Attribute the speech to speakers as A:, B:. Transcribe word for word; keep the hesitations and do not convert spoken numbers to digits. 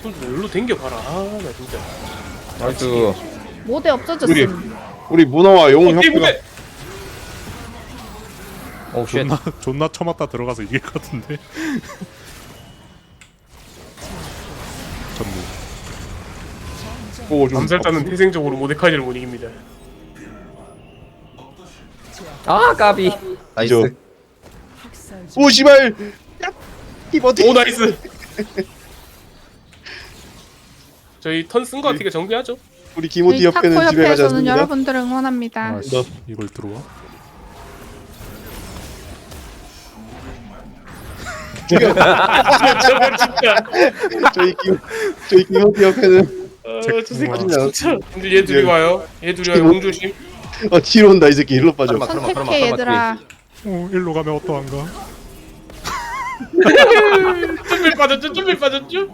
A: 좀 일로 댕겨봐라. 아, 나 진짜.
B: 나이스.
C: 모대 없어졌음.
D: 우리 문어와 영웅
A: 어, 뒤에
D: 협회가
A: 무대!
B: 오 쉣.
E: 존나 존나 쳐맞다 들어가서 이길 것 같은데. 전무.
D: 보고 좀
A: 암살자는 태생적으로 모데카이를 못 이깁니다.
B: 아 까비.
D: 이죠.
B: 나이스.
D: 오 씨발 이버티
A: 오, 나이스! 저희 턴 쓴 거 같으니까 정비하죠.
D: 우리 기모티
C: 저희 타코
D: 협회는 집에 가지
C: 협회에서는
D: 않습니다.
C: 여러분들을 응원합니다.
E: 아씨
D: 너.
E: 이걸 들어와?
A: 저거 진짜.
D: 저희 기 저희 기모티 협회는
A: 아, 저 새끼
D: 진짜.
A: 진짜. 근데 얘 둘이 와요. 얘 둘이 와요. 공조심.
D: 어 뒤로 온다 이 새끼 일로 빠져.
B: 설마, 설마, 설마,
C: 선택해
B: 설마
C: 얘들아.
E: 어 일로 가면 어떠한가?
A: 준비 빠졌죠? 준비 빠졌죠?